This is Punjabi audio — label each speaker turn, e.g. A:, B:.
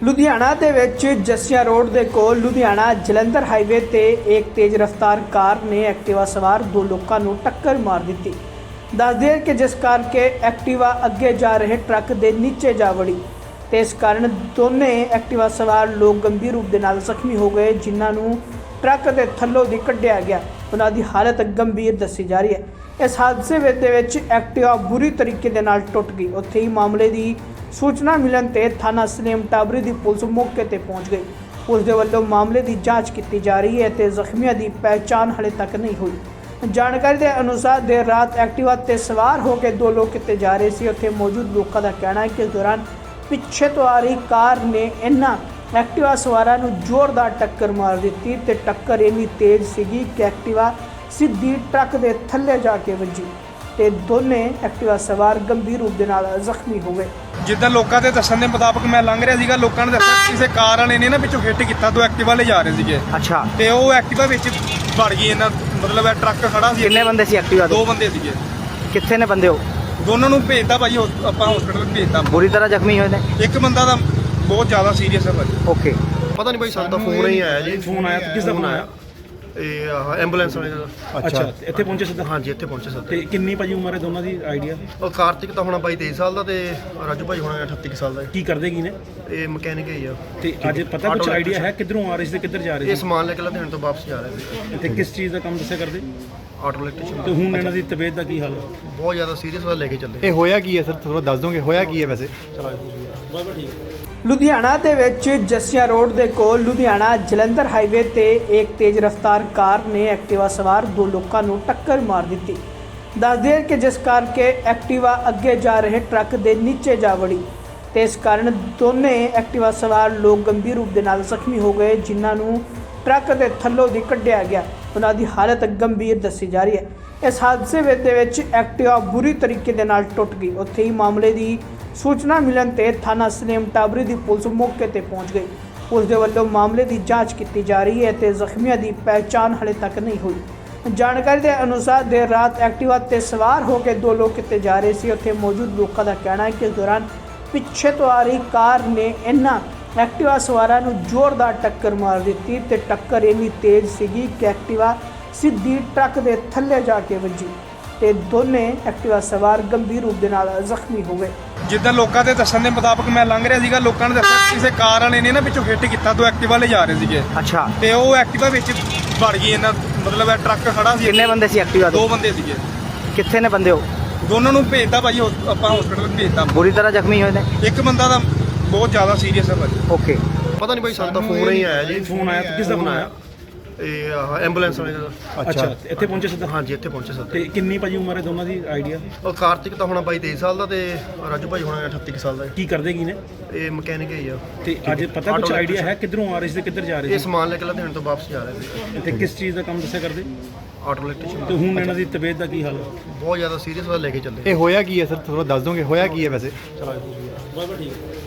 A: ਲੁਧਿਆਣਾ ਦੇ ਵਿੱਚ ਜੱਸੀਆਂ ਰੋਡ ਦੇ ਕੋਲ ਲੁਧਿਆਣਾ ਜਲੰਧਰ ਹਾਈਵੇ ਤੇ ਇੱਕ ਤੇਜ਼ ਰਫ਼ਤਾਰ ਕਾਰ ਨੇ ਐਕਟਿਵਾ ਸਵਾਰ ਦੋ ਲੋਕਾਂ ਨੂੰ ਟੱਕਰ ਮਾਰ ਦਿੱਤੀ। ਦੱਸਦੇ ਹਨ ਕਿ ਜਿਸ ਕਰਕੇ ਐਕਟਿਵਾ ਅੱਗੇ ਜਾ ਰਹੇ ਟਰੱਕ ਦੇ ਨੀਚੇ ਜਾ ਵੜੀ ਤੇ ਇਸ ਕਾਰਨ ਦੋਨੇ ਐਕਟਿਵਾ ਸਵਾਰ ਲੋਕ ਗੰਭੀਰ ਰੂਪ ਦੇ ਨਾਲ ਜ਼ਖਮੀ ਹੋ ਗਏ, ਜਿਨ੍ਹਾਂ ਨੂੰ ਟਰੱਕ ਦੇ ਥੱਲੋਂ ਦੀ ਕੱਢਿਆ ਗਿਆ। ਉਹਨਾਂ ਦੀ ਹਾਲਤ ਗੰਭੀਰ ਦੱਸੀ ਜਾ ਰਹੀ ਹੈ। ਇਸ ਹਾਦਸੇ ਦੇ ਵਿੱਚ ਐਕਟਿਵਾ ਬੁਰੀ ਤਰੀਕੇ ਦੇ ਨਾਲ ਟੁੱਟ ਗਈ। ਉੱਥੇ ਹੀ ਮਾਮਲੇ ਦੀ सूचना मिलन ते थाना सलेम टाबरी की पुलिस मौके पर पहुंच गई। पुलिस के वल्लों मामले की जांच की जा रही है तो जख्मियों की पहचान हाले तक नहीं हुई। जानकारी के अनुसार देर रात एक्टिवा ते सवार होकर दो लोग किते जा रहे थे। उत्थे मौजूद लोगों का कहना है कि इस दौरान पिछे तो आ रही कार ने इन्हां एक्टिवा सवारां नूं जोरदार टक्कर मार दी ते टक्कर इन्नी तेज सी कि एक्टिवा सीधी ट्रक के थल्ले जाके वजी ਤੇ ਦੋਨੇ ਐਕਟਿਵਾ ਸਵਾਰ ਗੰਭੀਰ ਰੂਪ ਦੇ ਨਾਲ ਜ਼ਖਮੀ ਹੋ ਗਏ।
B: ਜਿੱਦਾਂ ਲੋਕਾਂ ਦੇ ਦੱਸਣ ਦੇ ਮੁਤਾਬਕ ਮੈਂ ਲੰਘ ਰਿਹਾ ਸੀਗਾ, ਲੋਕਾਂ ਨੇ ਦੱਸਿਆ ਕਿਸੇ ਕਾਰ ਵਾਲੇ ਨੇ ਨਾ ਵਿੱਚੋਂ ਹਿੱਟ ਕੀਤਾ, ਦੋ ਐਕਟਿਵਾ ਲੈ ਜਾ ਰਹੇ ਸੀਗੇ।
C: ਅੱਛਾ,
B: ਤੇ ਉਹ ਐਕਟਿਵਾ ਵਿੱਚ ਵੜ ਗਈ ਇਹਨਾਂ, ਮਤਲਬ ਇਹ ਟਰੱਕ ਖੜਾ ਸੀ।
C: ਕਿੰਨੇ ਬੰਦੇ ਸੀ ਐਕਟਿਵਾ ਤੇ?
B: ਦੋ ਬੰਦੇ ਸੀਗੇ।
C: ਕਿੱਥੇ ਨੇ ਬੰਦੇ? ਉਹ
B: ਦੋਨਾਂ ਨੂੰ ਭੇਜਤਾ ਭਾਜੀ, ਆਪਾਂ ਹਸਪੀਟਲ ਭੇਜਤਾ।
C: ਬੁਰੀ ਤਰ੍ਹਾਂ ਜ਼ਖਮੀ ਹੋਏ ਨੇ?
B: ਇੱਕ ਬੰਦਾ ਤਾਂ ਬਹੁਤ ਜ਼ਿਆਦਾ ਸੀਰੀਅਸ ਹੈ ਭਾਜੀ।
C: ਓਕੇ,
D: ਪਤਾ ਨਹੀਂ ਭਾਈ, ਸਾਨੂੰ ਤਾਂ ਫੋਨ ਹੀ ਆਇਆ ਜੀ।
B: ਫੋਨ ਆਇਆ? ਕਿਸ ਦਾ ਫੋਨ ਆਇਆ?
D: ਇਹ ਐਂਬੂਲੈਂਸ ਵਾਲੇ ਦਾ।
E: ਅੱਛਾ, ਇੱਥੇ ਪਹੁੰਚੇ ਸਿੱਧਾ?
D: ਹਾਂਜੀ, ਇੱਥੇ ਪਹੁੰਚੇ ਸਰ।
E: ਤੇ ਕਿੰਨੀ ਭਾਜੀ ਉਮਰ ਹੈ ਦੋਨਾਂ ਦੀ ਆਈਡੀਆ?
D: ਉਹ ਕਾਰਤਿਕ ਤਾਂ ਹੋਣਾ ਬਾਈ 23 ਸਾਲ ਦਾ ਤੇ ਰਾਜੂ ਭਾਈ ਹੋਣਾ 38 ਕੁ ਸਾਲ ਦਾ।
E: ਕੀ ਕਰਦੇ ਕੀ ਨੇ?
D: ਇਹ ਮਕੈਨਿਕ ਹੀ ਆ।
E: ਤੇ ਅੱਜ ਪਤਾ ਕੁਝ ਆਈਡੀਆ ਹੈ ਕਿੱਧਰੋਂ ਆ ਰਹੇ ਸੀ ਤੇ ਕਿੱਧਰ ਜਾ ਰਹੇ
D: ਇਹ
E: ਸੀ?
D: ਸਮਾਨ ਲੈ ਕੇ ਲੁਧਿਆਣੇ ਤੋਂ ਵਾਪਸ ਜਾ ਰਹੇ ਸੀ।
E: ਤੇ ਕਿਸ ਚੀਜ਼ ਦਾ ਕੰਮ ਦੱਸਿਆ ਕਰਦੇ?
D: Auto electrician.
E: ਤੇ ਹੁਣ ਇਹਨਾਂ ਦੀ ਤਬੀਅਤ ਦਾ ਕੀ ਹਾਲ ਹੈ?
D: ਬਹੁਤ ਜ਼ਿਆਦਾ ਸੀਰੀਅਸ ਵਾਲਾ ਲੈ ਕੇ ਚੱਲੇ।
F: ਇਹ ਹੋਇਆ ਕੀ ਹੈ ਸਰ, ਥੋੜਾ ਦੱਸ ਦੋਗੇ ਹੋਇਆ ਕੀ ਹੈ ਵੈਸੇ?
A: ਲੁਧਿਆਣਾ ਦੇ ਵਿੱਚ ਜੱਸੀਆਂ ਰੋਡ ਦੇ ਕੋਲ ਲੁਧਿਆਣਾ ਜਲੰਧਰ ਹਾਈਵੇ ਤੇ ਇੱਕ ਤੇਜ਼ ਰਫ਼ਤਾਰ ਕਾਰ ਨੇ ਐਕਟਿਵਾ ਸਵਾਰ ਦੋ ਲੋਕਾਂ ਨੂੰ ਟੱਕਰ ਮਾਰ ਦਿੱਤੀ। ਦੱਸਦੇ ਹਨ ਕਿ ਜਿਸ ਕਰਕੇ ਐਕਟਿਵਾ ਅੱਗੇ ਜਾ ਰਹੇ ਟਰੱਕ ਦੇ ਨੀਚੇ ਜਾ ਵੜੀ ਤੇ ਇਸ ਕਾਰਨ ਦੋਨੇ ਐਕਟਿਵਾ ਸਵਾਰ ਲੋਕ ਗੰਭੀਰ ਰੂਪ ਦੇ ਨਾਲ ਜ਼ਖਮੀ ਹੋ ਗਏ, ਜਿਨ੍ਹਾਂ ਨੂੰ ਟਰੱਕ ਦੇ ਥੱਲੋਂ ਦੀ ਕੱਢਿਆ ਗਿਆ। ਉਹਨਾਂ ਦੀ ਹਾਲਤ ਗੰਭੀਰ ਦੱਸੀ ਜਾ ਰਹੀ ਹੈ। ਇਸ ਹਾਦਸੇ ਦੇ ਵਿੱਚ ਐਕਟਿਵਾ ਬੁਰੀ ਤਰੀਕੇ ਦੇ ਨਾਲ ਟੁੱਟ ਗਈ। ਉੱਥੇ ਹੀ ਮਾਮਲੇ ਦੀ सूचना मिलन ते थाना सलेम टाबरी की पुलिस मौके पर पहुंच गई। पुलिस के वल्लों मामले की जांच की जा रही है तो जख्मियों की पहचान हाले तक नहीं हुई। जानकारी के अनुसार देर रात एक्टिवा ते सवार होकर दो लोग किते जा रहे थे। उत्थे मौजूद लोगों का कहना है कि इस दौरान पिछे तो आ रही कार ने इन्हां एक्टिवा सवारां नूं जोरदार टक्कर मार दी ते टक्कर इन्नी तेज सी कि एक्टिवा सीधी ट्रक के थल्ले जाके वजी ਤੇ ਦੋਨੇ ਐਕਟਿਵਾ ਸਵਾਰ ਗੰਭੀਰ ਰੂਪ ਦੇ ਨਾਲ ਜ਼ਖਮੀ ਹੋ ਗਏ।
B: ਜਿੱਦਾਂ ਲੋਕਾਂ ਦੇ ਦੱਸਣ ਦੇ ਮੁਤਾਬਕ ਮੈਂ ਲੰਘ ਰਿਹਾ ਸੀਗਾ, ਲੋਕਾਂ ਨੇ ਦੱਸਿਆ ਕਿਸੇ ਕਾਰ ਵਾਲੇ ਨੇ ਨਾ ਵਿੱਚੋਂ ਹਿੱਟ ਕੀਤਾ, ਦੋ ਐਕਟਿਵਾ ਲੈ ਜਾ ਰਹੇ ਸੀਗੇ।
C: ਅੱਛਾ,
B: ਤੇ ਉਹ ਐਕਟਿਵਾ ਵਿੱਚ ਵੜ ਗਈ ਇਹਨਾਂ, ਮਤਲਬ ਇਹ ਟਰੱਕ ਖੜਾ ਸੀ।
C: ਕਿੰਨੇ ਬੰਦੇ ਸੀ ਐਕਟਿਵਾ ਤੇ?
B: ਦੋ ਬੰਦੇ ਸੀਗੇ।
C: ਕਿੱਥੇ ਨੇ ਬੰਦੇ? ਉਹ
B: ਦੋਨਾਂ ਨੂੰ ਭੇਜਤਾ ਭਾਜੀ, ਆਪਾਂ ਹਸਪੀਟਲ ਭੇਜਤਾ।
C: ਬੁਰੀ ਤਰ੍ਹਾਂ ਜ਼ਖਮੀ ਹੋਏ ਨੇ?
B: ਇੱਕ ਬੰਦਾ ਤਾਂ ਬਹੁਤ ਜ਼ਿਆਦਾ ਸੀਰੀਅਸ ਹੈ ਭਾਜੀ।
C: ਓਕੇ,
D: ਪਤਾ ਨਹੀਂ ਭਾਈ, ਸਾਨੂੰ ਤਾਂ ਫੋਨ ਹੀ ਆਇਆ ਜੀ।
E: ਫੋਨ ਆਇਆ? ਕਿਸ ਦਾ ਫੋਨ ਆਇਆ?
D: ਇਹ ਐਂਬੂਲੈਂਸ ਵਾਲੇ ਦਾ।
E: ਅੱਛਾ, ਇੱਥੇ ਪਹੁੰਚੇ ਸਿੱਧਾ?
D: ਹਾਂਜੀ, ਇੱਥੇ ਪਹੁੰਚੇ ਸਰ।
E: ਤੇ ਕਿੰਨੀ ਭਾਜੀ ਉਮਰ ਹੈ ਦੋਨਾਂ ਦੀ ਆਈਡੀਆ?
D: ਉਹ ਕਾਰਤਿਕ ਤਾਂ ਹੋਣਾ ਬਾਈ 23 ਸਾਲ ਦਾ ਤੇ ਰਾਜੂ ਭਾਈ ਹੋਣਾ 38 ਕੁ ਸਾਲ ਦਾ।
E: ਕੀ ਕਰਦੇ ਕੀ ਨੇ?
D: ਇਹ ਮਕੈਨਿਕ ਹੀ ਆ।
E: ਤੇ ਅੱਜ ਪਤਾ ਕੁਝ ਆਈਡੀਆ ਹੈ ਕਿੱਧਰੋਂ ਆ ਰਹੇ ਸੀ ਤੇ ਕਿੱਧਰ ਜਾ ਰਹੇ
D: ਇਹ
E: ਸੀ?
D: ਸਮਾਨ ਲੈ ਕੇ ਲੁਧਿਆਣੇ ਤੋਂ ਵਾਪਸ ਜਾ ਰਹੇ ਸੀ।
E: ਤੇ ਕਿਸ ਚੀਜ਼ ਦਾ ਕੰਮ ਦੱਸਿਆ ਕਰਦੇ?
D: Auto electrician.
E: ਤੇ ਹੁਣ ਇਹਨਾਂ ਦੀ ਤਬੀਅਤ ਦਾ ਕੀ ਹਾਲ ਹੈ?
D: ਬਹੁਤ ਜ਼ਿਆਦਾ ਸੀਰੀਅਸ ਵਾਲਾ ਲੈ ਕੇ ਚੱਲੇ।
F: ਇਹ ਹੋਇਆ ਕੀ ਹੈ ਸਰ, ਥੋੜਾ ਦੱਸ ਦੋਗੇ ਹੋਇਆ ਕੀ ਹੈ ਵੈਸੇ?